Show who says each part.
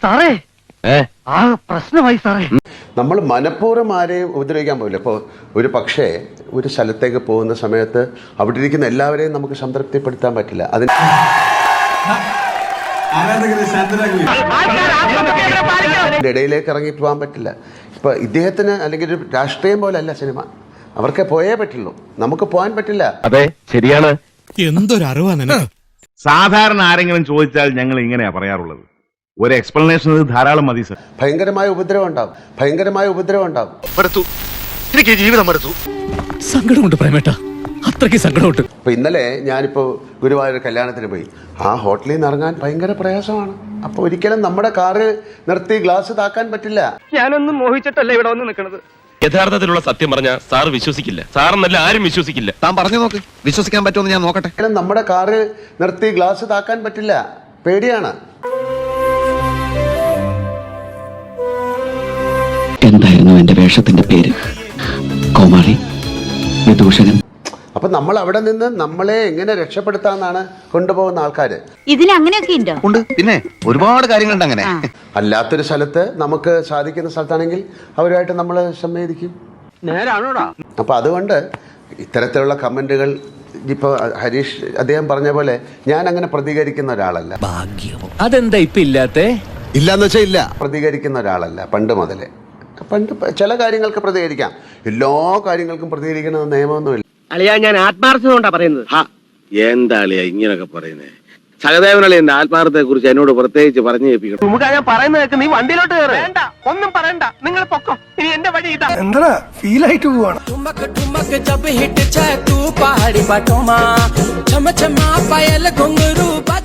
Speaker 1: സാറേ ആ പ്രശ്നമായി സാറേ.
Speaker 2: നമ്മൾ മനഃപൂർവ്വം ആരെയും ഉപദ്രവിക്കാൻ പോകില്ല. ഇപ്പോൾ ഒരു പക്ഷേ ഒരു സ്ഥലത്തേക്ക് പോകുന്ന സമയത്ത് അവിടെ ഇരിക്കുന്ന എല്ലാവരെയും നമുക്ക് സംതൃപ്തിപ്പെടുത്താൻ പറ്റില്ല. അതിന് ഇടയിലേക്ക് ഇറങ്ങി പോകാൻ പറ്റില്ല. ഇപ്പൊ ഇദ്ദേഹത്തിന് അല്ലെങ്കിൽ ഒരു രാഷ്ട്രീയം പോലെ അല്ല സിനിമ. അവർക്ക് പോയേ പറ്റുള്ളൂ, നമുക്ക് പോകാൻ പറ്റില്ല.
Speaker 3: അതെ, ശരിയാണ്.
Speaker 4: എന്തൊരു അറിവാണ്.
Speaker 5: സാധാരണ ആരെങ്കിലും ചോദിച്ചാൽ ഞങ്ങൾ ഇങ്ങനെയാ പറയാറുള്ളത്. ഒരു എക്സ്പ്ലനേഷൻ ധാരാളം മതി സർ.
Speaker 2: ഭയങ്കരമായ ഉപദ്രവം ഉണ്ടാവും, ഭയങ്കരമായ ഉപദ്രവം ഉണ്ടാവും.
Speaker 1: എനിക്ക് ജീവിതം മടുത്തു.
Speaker 4: സങ്കടമുണ്ട് പ്രേമേട്ട, അത്രയ്ക്ക് സങ്കടമുണ്ട്.
Speaker 2: ഇപ്പൊ ഇന്നലെ ഞാനിപ്പോ ഗുരുവായൂർ കല്യാണത്തിന് പോയി. ആ ഹോട്ടലിൽ നിന്ന് ഇറങ്ങാൻ ഭയങ്കര പ്രയാസമാണ്. അപ്പൊ ഒരിക്കലും നമ്മുടെ കാറ് നിർത്തി ഗ്ലാസ് താക്കാൻ പറ്റില്ല.
Speaker 1: ഞാനൊന്നും മോഹിച്ചിട്ടല്ല ഇവിടെ വന്ന് നിൽക്കുന്നത്.
Speaker 3: യഥാർത്ഥത്തിലുള്ള സത്യം പറഞ്ഞ സാർ വിശ്വസിക്കില്ല. സാറെന്നല്ല ആരും വിശ്വസിക്കില്ല.
Speaker 6: താൻ പറഞ്ഞു നോക്ക്, വിശ്വസിക്കാൻ പറ്റുമെന്ന് ഞാൻ നോക്കട്ടെ.
Speaker 2: നമ്മുടെ കാറ് നിർത്തി ഗ്ലാസ് താക്കാൻ പറ്റില്ല, പേടിയാണ്.
Speaker 7: എന്തായിരുന്നു എന്റെ വേഷത്തിന്റെ പേര്? കോമാളി, വിദൂഷകൻ.
Speaker 2: അപ്പൊ നമ്മൾ അവിടെ നിന്ന് നമ്മളെ എങ്ങനെ രക്ഷപ്പെടുത്താന്നാണ് കൊണ്ടുപോകുന്ന ആൾക്കാര്.
Speaker 8: ഇതിൽ അങ്ങനെയൊക്കെ ഉണ്ടോ?
Speaker 6: ഉണ്ട്, പിന്നെ ഒരുപാട് കാര്യങ്ങളുണ്ട് അങ്ങനെ.
Speaker 2: അല്ലാത്തൊരു സ്ഥലത്ത് നമുക്ക് സാധിക്കുന്ന സ്ഥലത്താണെങ്കിൽ അവരുമായിട്ട് നമ്മൾ സംവേദിക്കും.
Speaker 1: നേരാണോടാ?
Speaker 2: അപ്പൊ അതുകൊണ്ട് ഇത്തരത്തിലുള്ള കമന്റുകൾ ഇപ്പൊ ഹരീഷ് അദ്ദേഹം പറഞ്ഞ പോലെ ഞാൻ അങ്ങനെ പ്രതികരിക്കുന്ന ഒരാളല്ല.
Speaker 4: അതെന്താ ഇപ്പൊ ഇല്ലാത്തേ?
Speaker 6: ഇല്ലാന്ന് വെച്ചാ ഇല്ല.
Speaker 2: പ്രതികരിക്കുന്ന ഒരാളല്ല പണ്ട് മുതലേ. പണ്ട് ചില കാര്യങ്ങൾക്ക് പ്രതികരിക്കാം, എല്ലാ കാര്യങ്ങൾക്കും പ്രതികരിക്കുന്ന നിയമമൊന്നുമില്ല.
Speaker 1: അളിയാ, ഞാൻ ആത്മാർത്ഥത കൊണ്ടാ പറയുന്നത്.
Speaker 9: എന്താ അളിയാ ഇങ്ങനൊക്കെ പറയുന്നേ? സഹദേവനളി എന്റെ ആത്മാർത്ഥത്തെ കുറിച്ച് എന്നോട് പ്രത്യേകിച്ച് പറഞ്ഞു കേൾപ്പിക്കണം.
Speaker 1: നമുക്ക് ഞാൻ പറയുന്നത് കേൾക്ക്, നീ വണ്ടിയിലോട്ട് കയറി. വേണ്ട, ഒന്നും പറയണ്ട, നിങ്ങൾ പൊക്കോ. ഇനി എന്റെ വഴി ഇതാ. എന്താ ഫീൽ ആയിട്ട് പോവാണ്.
Speaker 10: जब हिट तू पहाड़ी बटोमा छम छमा पायल घुंघरू